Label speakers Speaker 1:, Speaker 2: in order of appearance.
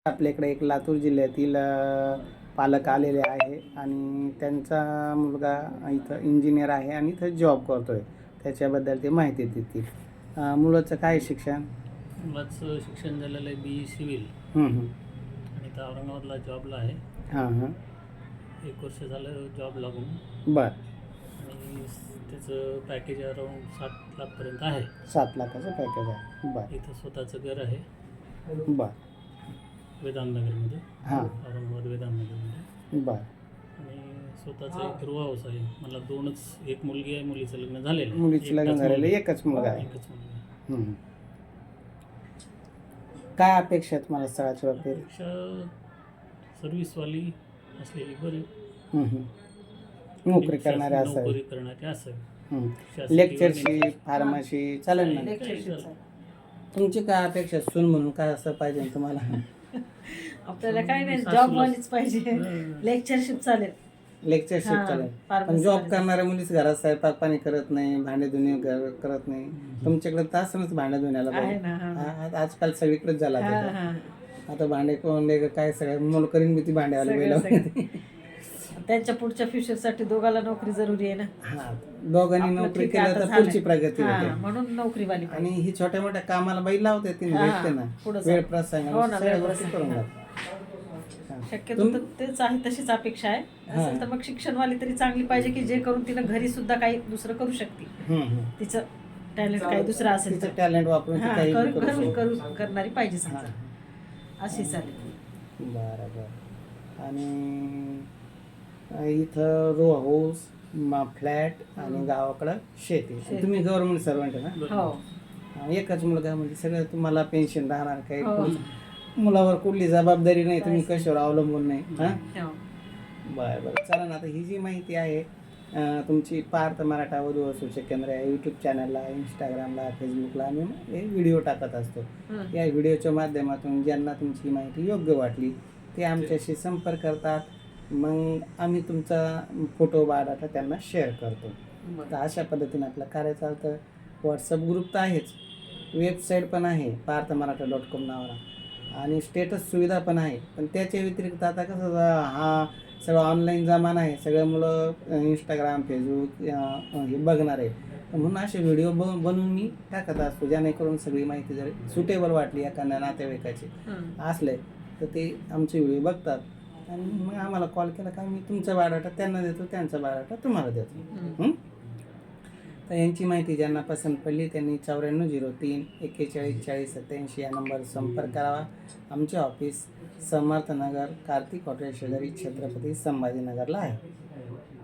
Speaker 1: आपल्याकडे एक लातूर जिल्ह्यातील पालक आलेले आहे आणि त्यांचा मुलगा इथं इंजिनियर आहे आणि इथं जॉब करतो आहे. त्याच्याबद्दल ते माहिती देतील. मुलाचं काय शिक्षण?
Speaker 2: मुलाचं शिक्षण झालेलं आहे BE सिव्हिल आणि इथं औरंगाबादला जॉबला आहे.
Speaker 1: हां हां
Speaker 2: 1 वर्ष झालं जॉब लागून.
Speaker 1: बरं.
Speaker 2: आणि त्याचं पॅकेज अराऊंड 7 लाखपर्यंत आहे.
Speaker 1: 7 लाखाचं पॅकेज आहे. बरं
Speaker 2: इथं स्वतःचं घर आहे
Speaker 1: बरं
Speaker 2: वेदांतनगरमध्ये,
Speaker 1: हां
Speaker 2: औरंगाबाद वेदांतनगरमध्ये.
Speaker 1: बरं.
Speaker 2: आणि स्वतःचं एक रो हाऊस आहे. मला 2च, एक मुलगी आहे, मुलीचं लग्न झालेलं आहे.
Speaker 1: मुलीचं लग्न
Speaker 2: एकटाच
Speaker 1: झालेलं
Speaker 2: मुलगा.
Speaker 1: एकच मुलगा आहे.
Speaker 2: एकच मुलगा आहे.
Speaker 1: काय अपेक्षा आहेत मला स्थळाच्या बाबतीत?
Speaker 2: पेक्षा सर्व्हिसवाली असलेली बरी,
Speaker 1: नोकरी करणारे
Speaker 2: नोकरी
Speaker 1: असावे.
Speaker 2: करणारी असावी.
Speaker 1: लेक्चरशिप फार्मसी चालेल ना?
Speaker 2: लेक्चरशिप
Speaker 1: तुमची काय अपेक्षा सून म्हणून काय असं पाहिजे तुम्हाला?
Speaker 3: आपल्याला काय नाही, जॉब वालीच पाहिजे. लेक्चरशिप चालेल.
Speaker 1: लेक्चरशिप
Speaker 3: हां,
Speaker 1: चालेल.
Speaker 3: pharmacy
Speaker 1: पण जॉब
Speaker 3: वाली.
Speaker 1: करणाऱ्या मुलीच घरात स्वयंपाक पाणी करत नाही, भांडे धुणे करत नाही. तुमच्याकडे तासनच भांडे धुण्याला
Speaker 3: आहे
Speaker 1: पाहिजे.
Speaker 3: ना, हां.
Speaker 1: आजकाल सगळीकडेच झाला
Speaker 3: हां,
Speaker 1: त्याचा.
Speaker 3: हां.
Speaker 1: आता भांडे कोण काय सगळं मुलं करीन मी ती भांड्यावाली
Speaker 3: सगळं-
Speaker 1: बैल.
Speaker 3: सगळं. त्यांच्या पुढच्या फ्युचरसाठी दोघाला नोकरी जरुरी आहे ना.
Speaker 1: हा दोघांनी
Speaker 3: आपलं
Speaker 1: नोकरी
Speaker 3: ठीक
Speaker 1: केलं
Speaker 3: आहे,
Speaker 1: तर
Speaker 3: आता
Speaker 1: पुढची
Speaker 3: झालंय.
Speaker 1: प्रगती
Speaker 3: हां,
Speaker 1: होते.
Speaker 3: म्हणून नोकरीवाली
Speaker 1: आणि
Speaker 3: पाहिजे.
Speaker 1: ही छोट्या मोठ्या कामाला बाई लावते ती
Speaker 3: हां,
Speaker 1: भेटते ना
Speaker 3: पुढं
Speaker 1: वेळ
Speaker 3: चाल.
Speaker 1: प्रसंग
Speaker 3: हो ना,
Speaker 1: सगळ्या
Speaker 3: वेळ
Speaker 1: गोष्टी
Speaker 3: प्रसंग.
Speaker 1: करून
Speaker 3: हां.
Speaker 1: जाते.
Speaker 3: शक्यतो तर तेच आहे, तशीच अपेक्षा आहे. असेल तर मग शिक्षणवाली तरी चांगली पाहिजे की जे करून तिनं घरी सुद्धा काही दुसरं करू शकते. तिचं टॅलेंट काही दुसरं असेल तर
Speaker 1: तिचं टॅलेंट वापरून ती
Speaker 3: हां,
Speaker 1: काही
Speaker 3: करू-
Speaker 1: करू
Speaker 3: करू-
Speaker 1: शकते.
Speaker 3: करू- करणारी पाहिजे समजा.
Speaker 1: हां.
Speaker 3: अशी चालेल.
Speaker 1: बरं बरं. आणि इथं रो हाऊस फ्लॅट आणि गावाकडं शेती.
Speaker 3: शेती.
Speaker 1: तुम्ही गव्हर्नमेंट सर्वंट आहे ना?
Speaker 3: हो.
Speaker 1: एकच मुलगा म्हणजे सगळं तुम्हाला पेन्शन राहणार काही
Speaker 3: हो.
Speaker 1: मुलावर कुठली जबाबदारी नाही, तुम्ही कशावर अवलंबून नाही. हां
Speaker 3: हो.
Speaker 1: बरं बरं चला ना. आता ही जी माहिती आहे तुमची पार्थ मराठा वधू व सूचक केंद्र आहे यूट्यूब चॅनलला, इंस्टाग्रामला, फेसबुकला आम्ही हे व्हिडिओ टाकत असतो. या व्हिडिओच्या माध्यमातून ज्यांना तुमची माहिती योग्य वाटली ते आमच्याशी संपर्क करतात. मग आम्ही तुमचा फोटो बायोडाटा त्यांना शेअर करतो. तर अशा पद्धतीने आपलं कार्य चालतं. व्हॉट्सअप ग्रुप तर आहेच, वेबसाईट पण आहे parthamarathha.com नावाला आणि स्टेटस सुविधा पण आहे. पण त्याच्या व्यतिरिक्त आता कसं हा सगळं ऑनलाईन जमाना आहे, सगळे मुलं इंस्टाग्राम फेसबुक हे बघणार आहे. तर म्हणून असे व्हिडिओ बनवून मी टाकत असतो, जेणेकरून सगळी माहिती जर सुटेबल वाटली एखाद्या नातेवाईकाची असले तर ते आमचे व्हिडिओ बघतात आणि मग आम्हाला कॉल केला का मी तुमचा बायोडाटा त्यांना देतो, त्यांचा बायोडाटा तुम्हाला देतो. तर यांची माहिती ज्यांना पसंत पडली त्यांनी 9403 41 40 87 या नंबरवर संपर्क करावा. आमचे ऑफिस समर्थनगर कार्तिक हॉटेल शेजारी छत्रपती संभाजीनगरला आहे.